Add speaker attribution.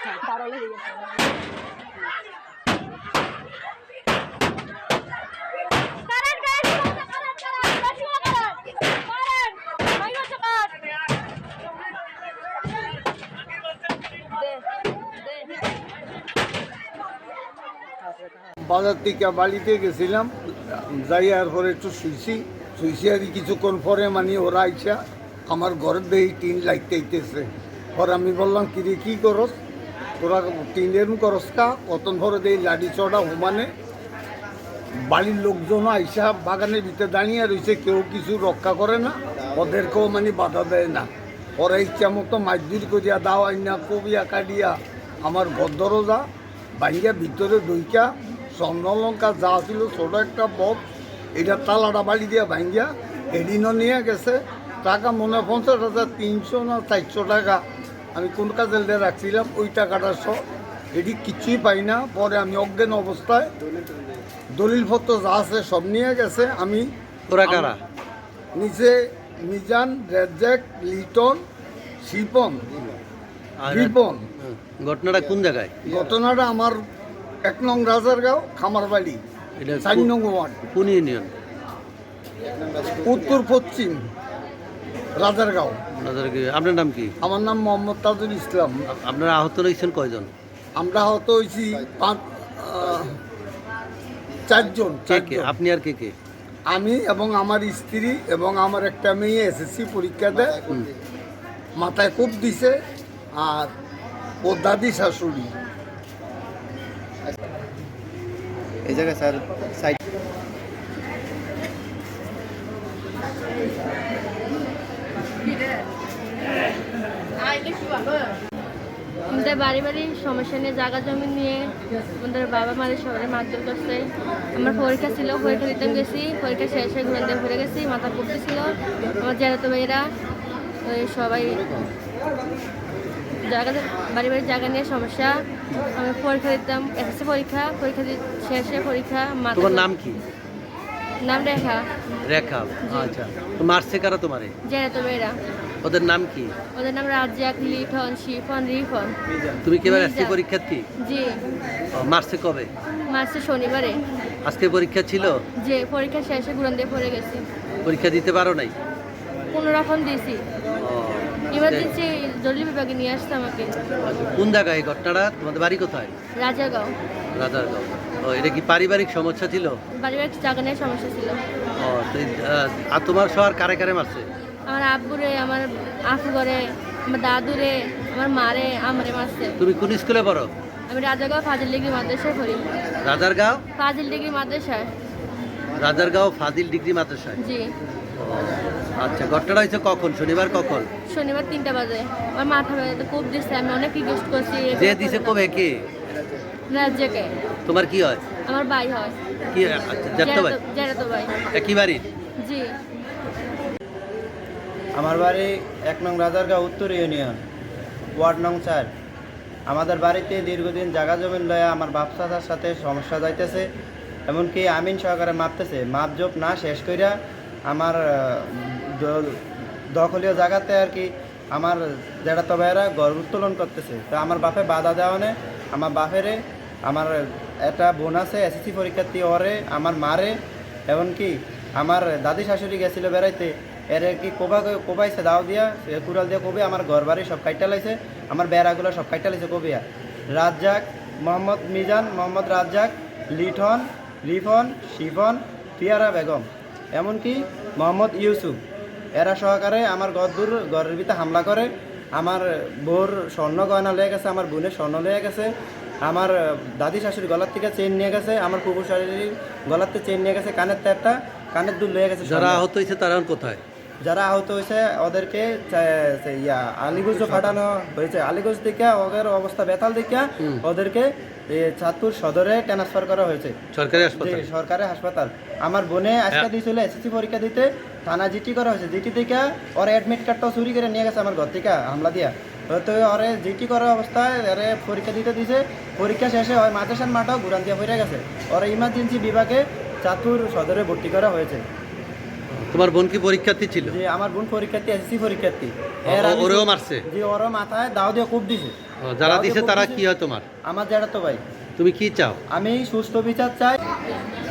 Speaker 1: বাজার থেকে বাড়িতে গেছিলাম, যাইয়ার পরে একটু শুইছি আর কিছুক্ষণ পরে মানে ওরা আইসা আমার ঘরের দিয়ে টিন লাগতেছে। পরে আমি বললাম কিরে কী করস তোরা, টিনের করস কা? কতক্ষণ পরে দেই লাঠি চড়া হুমানে বাড়ির লোকজনও আইসা বাগানের ভিতরে দাঁড়িয়ে রয়েছে, কেউ কিছু রক্ষা করে না, ওদেরকেও মানে বাধা দেয় না। ওরা ইচ্ছা মতো মাছদুর করিয়া দাও আইনা কবিয়া কাটিয়া আমার ঘর দরজা ভাঙ্গিয়া ভিতরে দইকা স্বর্ণলঙ্কা যা ছিল ছোটো একটা বক্স, এটা তালাটা বাড়ি দিয়া ভাঙ্গিয়া এদিনও নিয়ে গেছে। টাকা মনে হয় 50,300 না 400 টাকা আমি কোন কাজে দিয়ে রাখছিলাম, ওই টাকাটা সব এটি কিছুই পাই না। পরে আমি অজ্ঞান অবস্থায় দলিলপত্র যা আছে সব নিয়ে গেছে। আমি
Speaker 2: ওরা কারা?
Speaker 1: নিচে মিজান, রেজ্জাক, লিটন, শিপন, রিপন।
Speaker 2: ঘটনাটা কোন জায়গায়?
Speaker 1: ঘটনাটা আমার 1 নং রাজারগাঁও খামারবাড়ি, 4 নং ওয়ার্ড।
Speaker 2: কোন ইউনিয়ন?
Speaker 1: উত্তর পশ্চিম রাজারগাঁও।
Speaker 2: আপনার নাম কি?
Speaker 1: আমার নাম মোহাম্মদ তাজুল ইসলাম।
Speaker 2: আপনারা আহত হয়েছেন কয়জন?
Speaker 1: আমরা আহত হয়েছি 4 জন।
Speaker 2: আপনি আর কে কে?
Speaker 1: আমি এবং আমার স্ত্রী এবং আমার একটা মেয়ে এসএসসি পরীক্ষা দেয়, মাথায় কোপ দিছে, আর ও দাদি শাশুড়ি।
Speaker 3: এই জায়গায় স্যার সাইড
Speaker 4: আমাদের বাড়ি সমস্যা নিয়ে জায়গা জমি নিয়ে আমাদের বাবা মাদের সবাই মারধর করছে। আমার পরীক্ষা ছিল, পরীক্ষা দিতে গেছি, পরীক্ষা শেষে ঘুরে দিয়ে ঘুরে গেছি, মাথা পড়তেছিল। আমার জেরাতো ভাইরা ওই সবাই বাড়ি জায়গা নিয়ে সমস্যা। আমি পরীক্ষা দিতাম, এসএসসি পরীক্ষা শেষে পরীক্ষা।
Speaker 2: তোমার নাম কি?
Speaker 4: নাম রেখা।
Speaker 2: রেখা, আচ্ছা। মারছে কারা তোমারে?
Speaker 4: জেরাতো ভাইরা।
Speaker 2: ওদের নাম কি?
Speaker 4: ওদের নাম রাজ্জাক, লিটন, শিফন, রিফন।
Speaker 2: তুমি কি এবার এসএসসি পরীক্ষার্থী?
Speaker 4: জি।
Speaker 2: মারছে কবে?
Speaker 4: মারছে শনিবারে।
Speaker 2: আজকে পরীক্ষা ছিল?
Speaker 4: যে পরীক্ষা শেষে ঘুরান দিয়ে পড়ে গেছি।
Speaker 2: পরীক্ষা দিতে পারো নাই?
Speaker 4: কোনো রকম দিয়েছি, ইমার্জেন্সি জরুরি বিভাগে নিয়ে আসছে আমাকে।
Speaker 2: কোন জায়গায় এই ঘটনাটা? তোমাদের বাড়ি কোথায়?
Speaker 4: রাজারগাঁও।
Speaker 2: রাজারগাঁও। ও, এটা কি পারিবারিক সমস্যা ছিল?
Speaker 4: পারিবারিক জায়গা নিয়ে সমস্যা ছিল।
Speaker 2: ও, আর তোমার শহর কারে কারে মারছে?
Speaker 4: আমার আব্বুরে, আমার আফু করে, আমার দাদুরে, আমার মারে, আমারে মারছে।
Speaker 2: তুমি কোন স্কুলে পড়ো?
Speaker 4: আমি রাজারগাঁও ফাজিল ডিগ্রি মাদ্রাসায় পড়ি।
Speaker 2: রাজারগাঁও
Speaker 4: ফাজিল ডিগ্রি মাদ্রাসায়।
Speaker 2: রাজারগাঁও ফাজিল ডিগ্রি মাদ্রাসায়।
Speaker 4: জি।
Speaker 2: আচ্ছা, ঘটনাটা হয়েছে কখন? শনিবার কখন?
Speaker 4: শনিবার 3টা বাজে। আমার মাথা ব্যথা কোপ দিচ্ছে, আমি অনেক রিকোয়েস্ট করছি।
Speaker 2: যে দিছে কবে কে?
Speaker 4: রাজ্জাকে।
Speaker 2: তোমার কি হয়?
Speaker 4: আমার ভাই হয়।
Speaker 2: কি? আচ্ছা, জেঠতো ভাই।
Speaker 4: জেঠাতো ভাই।
Speaker 2: একই বাড়ির?
Speaker 4: জি।
Speaker 3: আমার বাড়ি 1 নং রাজারগাঁও উত্তর ইউনিয়ন, ওয়ার্ড নং 4। আমাদের বাড়িতে দীর্ঘদিন জায়গা জমিন লয়া আমার বাপ চাচার সাথে সমস্যা যাইতেছে, এমনকি আমিন সহকারে মাপতেছে। মাপজোপ না শেষ কইরা আমার দখলীয় জায়গাতে আর কি আমার জেঠাতো ভাইয়েরা ঘর উত্তোলন করতেছে। তো আমার বাপে বাধা দেওয়ানে আমার বাপেরে, আমার একটা বোন আছে এসএসসি পরীক্ষার্থী, ওরে, আমার মারে, এমনকি আমার দাদি শাশুড়ি গেছিল বেড়াইতে, এর কি কোবাইছে দাও দিয়া, কুড়াল দিয়ে কবি আমার ঘর বাড়ি সব কাইটা লাইছে, আমার বেড়াগুলো সব কাইটা লাইছে কবিয়া। রাজ্জাক, মোহাম্মদ মিজান, মোহাম্মদ রাজ্জাক, লিটন, রিফন, শিফন, পিয়ারা বেগম, এমনকি মোহাম্মদ ইউসুফ, এরা সহকারে আমার ঘরের ভিতরে হামলা করে। আমার বোর স্বর্ণ গয়না লয়ে গেছে, আমার বোনের স্বর্ণ লয়ে গেছে, আমার দাদি শাশুড়ি গলার থেকে চেন নিয়ে গেছে, আমার কুকুর শাশুড়ির গলার থেকে চেন নিয়ে গেছে, কানের তেরটা, কানের দুল লয়ে গেছে।
Speaker 2: যারা আহত হয়েছে তারা কোথায়?
Speaker 3: যারা আহত হয়েছে ওদেরকে আলিগঞ্জ পাঠানো হয়েছে। আলিগঞ্জ থেকে ওদের অবস্থা বেতাল দেখে ওদেরকে চাঁদপুর সদরে ট্রান্সফার করা হয়েছে, সরকারি হাসপাতাল। আমার বোনে আজকে দিয়েছিল এসএসসি পরীক্ষা দিতে, থানা জিটি করা হয়েছে। জিটি থেকে ওর অ্যাডমিট কার্ডটাও চুরি করে নিয়ে গেছে আমার ঘর থেকে হামলা দিয়া। তো ওরে জিটি করার অবস্থায় এরে পরীক্ষা দিতে দিয়েছে, পরীক্ষা শেষে হয় মাদ্রাসার মাঠও ঘুরান দিয়ে পড়ে গেছে। ওরা ইমার্জেন্সি বিভাগে চাঁদপুর সদরে ভর্তি করা হয়েছে।
Speaker 2: তোমার বোন কি পরীক্ষার্থী ছিল?
Speaker 3: যে আমার বোন পরীক্ষার্থী, এসএসসি পরীক্ষার্থী।
Speaker 2: ওরেও মারছে?
Speaker 3: যে ওরও মাথায় দাও দিয়ে কূপ দিছে।
Speaker 2: যারা
Speaker 3: দাও দিয়ে
Speaker 2: দিছে
Speaker 3: কূপ
Speaker 2: তারা
Speaker 3: দিছে।
Speaker 2: কি হয় তোমার?
Speaker 3: আমার জ্যাঠাতো ভাই।
Speaker 2: তুমি কি চাও?
Speaker 3: আমি সুস্থ বিচার চাই।